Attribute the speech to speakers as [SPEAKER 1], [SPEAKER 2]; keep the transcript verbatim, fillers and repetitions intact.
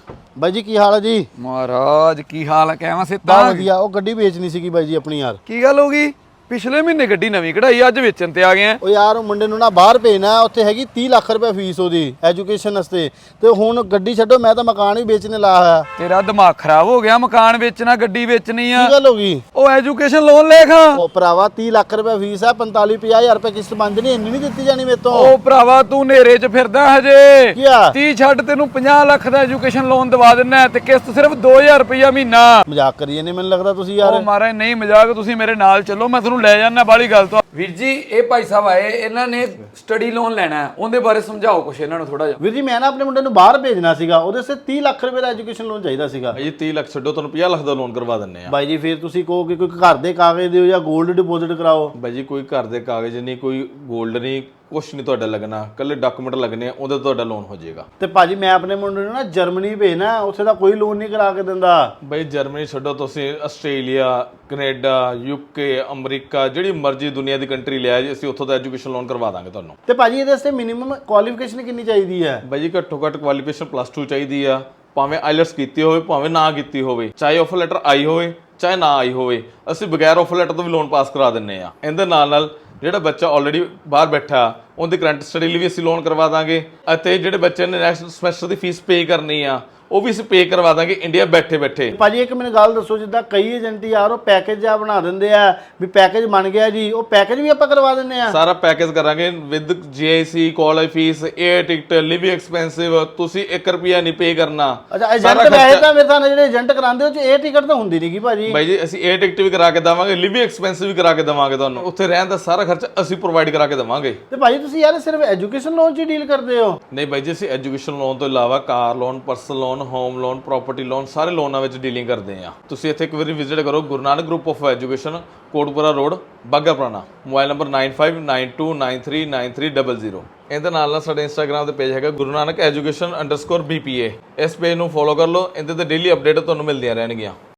[SPEAKER 1] ਬਾਈ ਜੀ ਕੀ ਹਾਲ ਹੈ ਜੀ?
[SPEAKER 2] ਮਹਾਰਾਜ ਕੀ ਹਾਲ ਹੈ? ਕਹਿਵਾ ਸੇ
[SPEAKER 1] ਬਾ
[SPEAKER 2] ਤਾਂ
[SPEAKER 1] ਵਧੀਆ। ਉਹ ਗੱਡੀ ਵੇਚਣੀ ਸੀਗੀ ਬਾਈ ਜੀ ਆਪਣੀ ਯਾਰ।
[SPEAKER 2] ਕੀ ਗੱਲ ਹੋ ਗਈ? ਪਿਛਲੇ ਮਹੀਨੇ ਗੱਡੀ ਨਵੀਂ ਕਢਾਈ, ਅੱਜ ਵੇਚਣ ਤੇ ਆ ਗਏ ਆ।
[SPEAKER 1] ਉਹ ਯਾਰ ਉਹ ਮੁੰਡੇ ਨੂੰ ਨਾ ਬਾਹਰ ਭੇਜਣਾ, ਉੱਥੇ ਹੈਗੀ ਤੀਹ ਲੱਖ ਰੁਪਏ ਫੀਸ ਉਹਦੀ ਐਜੂਕੇਸ਼ਨ ਵਾਸਤੇ। ਤੇ ਹੁਣ ਗੱਡੀ ਛੱਡੋ, ਮੈਂ ਤਾਂ ਮਕਾਨ ਵੀ ਵੇਚਣੇ ਲਾਇਆ ਹੋਇਆ।
[SPEAKER 2] ਤੇਰਾ ਦਿਮਾਗ ਖਰਾਬ ਹੋ ਗਿਆ? ਮਕਾਨ ਵੇਚਣਾ, ਗੱਡੀ ਵੇਚਣੀ ਆ?
[SPEAKER 1] ਕੀ ਗੱਲ ਹੋ ਗਈ?
[SPEAKER 2] ਉਹ ਐਜੂਕੇਸ਼ਨ ਲੋਨ ਲੈ ਖਾ।
[SPEAKER 1] ਉਹ ਭਰਾਵਾ ਤੀਹ ਲੱਖ ਰੁਪਏ ਫੀਸ ਹੈ, ਪੰਤਾਲੀ ਪੰਜਾਹ ਹਜ਼ਾਰ ਰੁਪਏ ਕਿਸ਼ਤ ਬਣ ਜਣੀ, ਇੰਨੀ ਨਹੀਂ ਦਿੱਤੀ ਜਾਣੀ ਮੇਰੇ ਤੋਂ।
[SPEAKER 2] ਉਹ ਭਰਾਵਾ ਤੂੰ ਨੇਰੇ 'ਚ ਫਿਰਦਾ ਹਜੇ।
[SPEAKER 1] ਕੀ ਆ?
[SPEAKER 2] ਤੀਹ ਛੱਡ, ਤੈਨੂੰ ਪੰਜਾਹ ਲੱਖ ਦਾ ਐਜੂਕੇਸ਼ਨ ਲੋਨ ਦਵਾ ਦਿੰਨਾ ਤੇ ਕਿਸ਼ਤ ਸਿਰਫ ਦੋ ਹਜ਼ਾਰ ਰੁਪਇਆ ਮਹੀਨਾ।
[SPEAKER 1] ਮਜ਼ਾਕ ਕਰੀਏ ਨਹੀਂ, ਮੈਨੂੰ ਲੱਗਦਾ ਤੁਸੀਂ ਯਾਰ।
[SPEAKER 2] ਉਹ ਮਾਰਾ ਨਹੀਂ ਮਜ਼ਾਕ, ਤੁਸੀਂ ਮੇਰੇ ਨਾਲ ਚੱਲੋ, ਮੈਂ ਤੁਹਾਨੂੰ ਲੈ ਜਾਣਾ। ਬਾਹਲੀ ਗੱਲ ਤੋਂ ਵੀਰ ਜੀ, ਇਹ ਭਾਈ ਸਾਹਿਬ ਆਏ, ਇਹਨਾਂ ਨੇ ਸਟੱਡੀ ਲੋਨ ਲੈਣਾ, ਉਹਦੇ ਬਾਰੇ ਸਮਝਾਓ ਕੁਛ ਇਹਨਾਂ ਨੂੰ ਥੋੜਾ ਜਿਹਾ।
[SPEAKER 1] ਵੀਰ ਜੀ ਮੈਂ ਨਾ ਆਪਣੇ ਮੁੰਡੇ ਨੂੰ ਬਾਹਰ ਭੇਜਣਾ ਸੀਗਾ, ਉਹਦੇ ਸੇ ਤੀਹ ਲੱਖ ਰੁਪਏ ਦਾ ਐਜੂਕੇਸ਼ਨ ਲੋਨ ਚਾਹੀਦਾ ਸੀਗਾ।
[SPEAKER 3] ਭਾਈ ਤੀਹ ਲੱਖ ਛੱਡੋ, ਤੁਹਾਨੂੰ ਪੰਜਾਹ ਲੱਖ ਦਾ ਲੋਨ ਕਰਵਾ ਦਿੰਨੇ ਆ।
[SPEAKER 1] ਬਾਈ ਜੀ ਫਿਰ ਤੁਸੀਂ ਕਹੋ ਕਿ ਕੋਈ ਘਰ ਦੇ ਕਾਗਜ਼ ਦਿਓ ਜਾਂ 골ਡ ਡਿਪੋਜ਼ਿਟ ਕਰਾਓ।
[SPEAKER 3] ਬਾਈ ਜੀ ਕੋਈ ਘਰ ਦੇ ਕਾਗਜ਼ ਨਹੀਂ, ਕੋਈ ਗੋਲਡ ਨਹੀਂ, ਕੁਛ ਨਹੀਂ ਤੁਹਾਡਾ ਲੱਗਣਾ, ਕੱਲੇ ਡਾਕੂਮੈਂਟ ਲੱਗਣੇ ਆ, ਉਹਦੇ ਤੁਹਾਡਾ ਲੋਨ ਹੋ ਜਾਏਗਾ।
[SPEAKER 1] ਤੇ ਭਾਜੀ ਮੈਂ ਆਪਣੇ ਮੁੰਡੇ ਨੂੰ ਨਾ ਜਰਮਨੀ ਭੇਜਣਾ, ਉੱਥੇ ਦਾ ਕੋਈ ਲੋਨ ਨਹੀਂ ਕਰਾ ਕੇ ਦਿੰਦਾ।
[SPEAKER 3] ਬਾਈ ਜਰਮਨੀ ਛੱਡੋ, ਤੁਸੀਂ ਆਸਟ੍ਰੇਲੀਆ, ਕੈਨੇਡਾ, ਯੂਕੇ, ਅਮਰੀਕਾ, ਜਿਹੜੀ ਮਰਜ਼ੀ ਦੁਨੀਆ ਦੀ ਕੰਟਰੀ ਲਿਆ ਜੀ, ਅਸੀਂ ਉੱਥੋਂ ਦਾ ਐਜੂਕੇਸ਼ਨ ਲੋਨ ਕਰਵਾ ਦਾਂਗੇ ਤੁਹਾਨੂੰ।
[SPEAKER 1] ਤੇ ਭਾਜੀ ਇਹਦੇ ਵਾਸਤੇ ਮਿਨੀਮਮ ਕੁਆਲੀਫਿਕੇਸ਼ਨ ਕਿੰਨੀ ਚਾਹੀਦੀ ਹੈ?
[SPEAKER 3] ਬਾਈ ਜੀ ਘੱਟੋ ਘੱਟ ਕੁਆਲੀਫਿਕੇਸ਼ਨ ਪਲੱਸ ਟੂ ਚਾਹੀਦੀ ਆ, ਭਾਵੇਂ ਆਈਲੈਟਸ ਕੀਤੀ ਹੋਵੇ ਭਾਵੇਂ ਨਾ ਕੀਤੀ ਹੋਵੇ, ਚਾਹੇ ਆਫਰ ਲੈਟਰ ਆਈ ਹੋਵੇ ਚਾਹੇ ਨਾ ਆਈ ਹੋਵੇ, ਅਸੀਂ ਬਗੈਰ ਆਫਰ ਲੈਟਰ ਤੋਂ ਵੀ ਲੋਨ ਪਾਸ ਕਰਾ ਦਿੰਨੇ ਆ। ਇਹਦੇ ਨਾਲ ਨਾਲ ਜਿਹੜਾ ਬੱਚਾ ਆਲਰੇਡੀ ਬਾਹਰ ਬੈਠਾ ਉਹਦੀ ਕਰੰਟ ਸਟੱਡੀ ਲਈ ਵੀ ਅਸੀਂ ਲੋਨ ਕਰਵਾ ਦਾਂਗੇ, ਅਤੇ ਜਿਹੜੇ ਬੱਚੇ ਨੇ ਨੈਕਸਟ ਸਮੈਸਟਰ ਦੀ ਫੀਸ ਪੇ ਕਰਨੀ ਆ ਉਹ ਵੀ ਅਸੀਂ ਪੇ ਕਰਵਾ ਦਾਂਗੇ ਇੰਡੀਆ ਬੈਠੇ ਬੈਠੇ।
[SPEAKER 1] ਭਾਜੀ ਇੱਕ ਮੈਨੂੰ ਗੱਲ ਦੱਸੋ, ਜਿੱਦਾਂ ਕਈ ਏਜੰਟ ਯਾਰ ਉਹ ਪੈਕੇਜ ਜਿਹਾ ਬਣਾ ਦਿੰਦੇ ਆ ਵੀ ਪੈਕੇਜ ਬਣ ਗਿਆ ਜੀ, ਉਹ ਪੈਕੇਜ ਵੀ ਆਪਾਂ ਕਰਵਾ ਦਿੰਦੇ ਆ?
[SPEAKER 3] ਸਾਰਾ ਪੈਕੇਜ ਕਰਾਂਗੇ with G I C, college fees, air ticket, living expensive, ਤੁਸੀਂ ਇੱਕ ਰੁਪਿਆ ਨਹੀਂ ਪੇ ਕਰਨਾ।
[SPEAKER 1] ਅੱਛਾ ਏਜੰਟ ਵੈਸੇ ਤਾਂ ਮੇਰੇ ਨਾਲ ਜਿਹੜੇ ਏਜੰਟ ਕਰਾਉਂਦੇ ਉਹ ਚ ਇਹ ਟਿਕਟ ਤਾਂ ਹੁੰਦੀ ਨਹੀਂਗੀ ਭਾਜੀ।
[SPEAKER 3] ਬਾਈ ਜੀ ਅਸੀਂ 에ਅਰ ਟਿਕਟ ਵੀ ਕਰਾ ਕੇ ਦੇਵਾਂਗੇ, ਲਿਵਿੰਗ ਐਕਸਪੈਂਸਿਵ ਵੀ ਕਰਾ ਕੇ ਦੇਵਾਂਗੇ, ਤੁਹਾਨੂੰ ਉੱਥੇ ਰਹਿਣ ਦਾ ਸਾਰਾ ਖਰਚਾ ਅਸੀਂ ਪ੍ਰੋਵਾਈਡ ਕਰਾ ਕੇ ਦੇਵਾਂਗੇ।
[SPEAKER 1] ਤੇ ਭਾਜੀ ਤੁਸੀਂ ਯਾਰ ਸਿਰਫ ਐਜੂਕੇਸ਼ਨ ਲੋਨ 'ਚ ਹੀ ਡੀਲ ਕਰਦੇ ਹੋ?
[SPEAKER 3] ਨਹੀਂ ਬਾਈ ਜੀ, ਅਸੀਂ ਐਜੂਕੇਸ਼ਨ ਲੋਨ ਤੋਂ ਇਲਾਵਾ car loan, personal loan, home loan, property loan, ਸਾਰੇ ਲੋਨਾਂ ਵਿੱਚ ਡੀਲਿੰਗ ਕਰਦੇ ਆ। ਤੁਸੀਂ ਇੱਥੇ ਇੱਕ ਵਾਰੀ ਵਿਜ਼ਿਟ ਕਰੋ, Guru Nanak group of education, Kotpura road, Bagha Purana, mobile number nine five nine two nine three nine three zero zero. ਇਹਦੇ ਨਾਲ ਨਾਲ ਸਾਡੇ ਇੰਸਟਾਗ੍ਰਾਮ ਤੇ ਪੇਜ ਹੈਗਾ Guru Nanak education underscore B P A, ਇਸ ਪੇਜ ਨੂੰ ਫੋਲੋ ਕਰ ਲਓ, ਇਹਦੇ ਤੇ ਡੇਲੀ ਅਪਡੇਟ ਤੁਹਾਨੂੰ ਮਿਲਦੀਆਂ ਰਹਿਣਗੀਆਂ।